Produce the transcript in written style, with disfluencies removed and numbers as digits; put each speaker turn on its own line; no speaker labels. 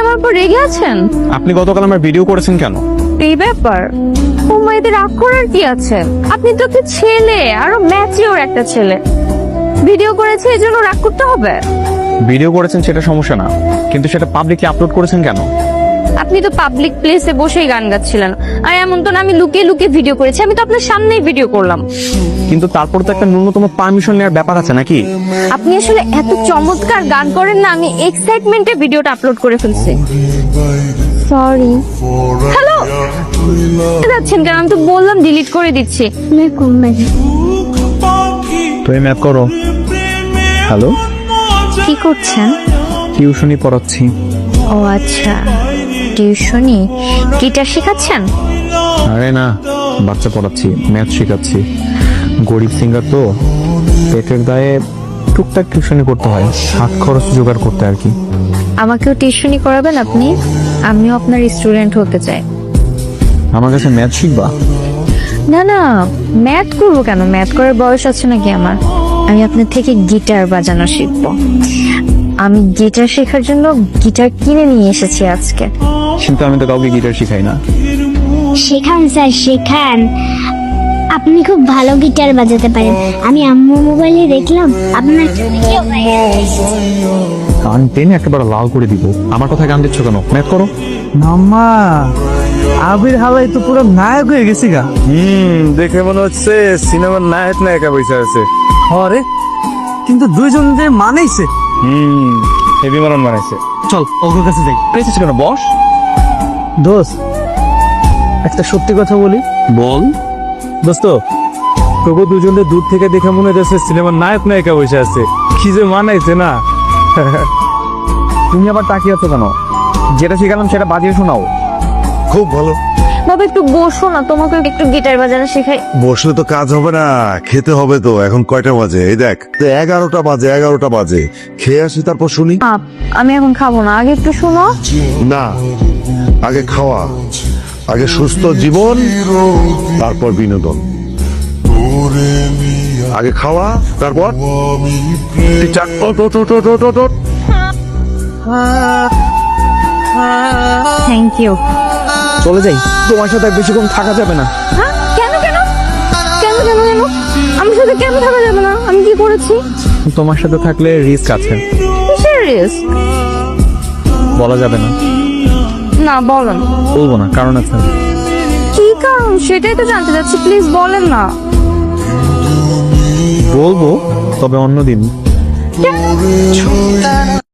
আমার উপর রেগে আছেন?
আপনি গতকাল আমার ভিডিও করেছেন কেন?
এই ব্যাপার, ও মাইদের রাগ করার কি আছে? আপনি তো একটা ছেলে, আরো ম্যাচিওর একটা ছেলে। ভিডিও করেছে এই জন্য রাগ করতে হবে?
ভিডিও করেছেন সেটা সমস্যা না, কিন্তু সেটা পাবলিকলি আপলোড করেছেন কেন?
আপনি তো পাবলিক প্লেসে বসেই গান গাচ্ছিলেন, আর এমন তো না আমি লুকিয়ে লুকিয়ে ভিডিও করেছি। আমি তো আপনার সামনেই ভিডিও করলাম।
কিন্তু তারপর তো একটা ন্যূনতম পারমিশন নেওয়ার ব্যাপার আছে নাকি?
আপনি আসলে এত চমৎকার গান করেন না, আমি এক্সাইটমেন্টে ভিডিওটা আপলোড করে ফেলছি। সরি। হ্যালো, যাচ্ছেন কেন? আমি তো বললাম ডিলিট করে দিচ্ছি।
তুমি ম্যাপ করো। হ্যালো,
কি করছেন?
টিউশনি পড়াচ্ছি।
ও আচ্ছা, টিউশনি। গিটার শেখাচ্ছেন?
আরে না, বাচ্চা পড়াচ্ছি, ম্যাথ শেখাচ্ছি। গরিব সিঙ্গার তো, পেটের দায়ে টুকটাক টিউশনি করতে হয়, হাত খরচ জোগাড় করতে আর কি।
আমাকেও টিউশনি করাবেন আপনি? আমিও আপনার স্টুডেন্ট হতে চাই।
আমার কাছে ম্যাথ শিখবা?
না না, ম্যাথ করবো কেন? ম্যাথ করার বয়স আছে নাকি আমার? আমি আপনার থেকে গিটার বাজানো শিখবো। আমি গিটার শেখার জন্য গিটার কিনে নিয়ে এসেছি আজকে।
কিন্তু আমি তো কাউকে গিটার শিখাই না।
শেখান স্যার, শেখান। আপনি খুব ভালো গিটার বাজাতে পারেন। আমি আম্মু মোবাইলে দেখলাম আপনার একটা ভিডিও ভাইরাল হয়েছে।
কান টেনে একেবারে লাল করে দিব। আমার কথা গান দিচ্ছ কেন? ম্যাথ করো।
মাম্মা, আবির হালাই তো পুরো নায়ক হয়ে গেছি গা।
দেখে মনে হচ্ছে সিনেমার নায়ক নায়িকা বসে আছে।
হরে, কিন্তু দুইজন যে মানেইছে।
হেভি মারন বানাইছে।
চল ওর কাছে যাই।
পেয়েছিস কেন? বস।
দোস্ত, একটা সত্যি কথা বলি।
বল।
দোস্ত, তবু দুজনে দূর থেকে দেখে মনে হচ্ছে সিনেমার নায়ক নায়িকা বসে আছে। কি যে মানাইছে না।
তুমি আবার তাকিয়ে আছো কেন? যেটা শিখালাম সেটা বাজিয়ে শোনাও।
খুব ভালো।
বাবা একটু বসো না, তোমাকে একটু গিটার বাজানো শেখাই।
বসলে তো কাজ হবে না, খেতে হবে তো। এখন কয়টা বাজে? এই দেখ, 11টা বাজে। খেয়ে আসি, তারপর শুনি।
আমি এখন খাবো না, আগে একটু শোনো।
না, আগে খাওয়া, আগে সুস্থ জীবন, তারপর বিনোদন। আগে খাওয়া, তারপর টিচার।
Thank you.
চলে যাই, তোমার সাথে আর বেশিক্ষণ থাকা যাবে না।
হ্যাঁ, কেন কেন কেন কেন কেন আমার সাথে কেন থাকা যাবে না? আমি কি করেছি?
তোমার সাথে থাকলে রিস্ক আছে।
কিসের রিস্ক?
বলা যাবে না।
না বলেন।
বলবো না, কারণ আছে।
কি কারণ সেটাই তো জানতে চাচ্ছি, প্লিজ বলেন না।
বলবো, তবে অন্যদিন।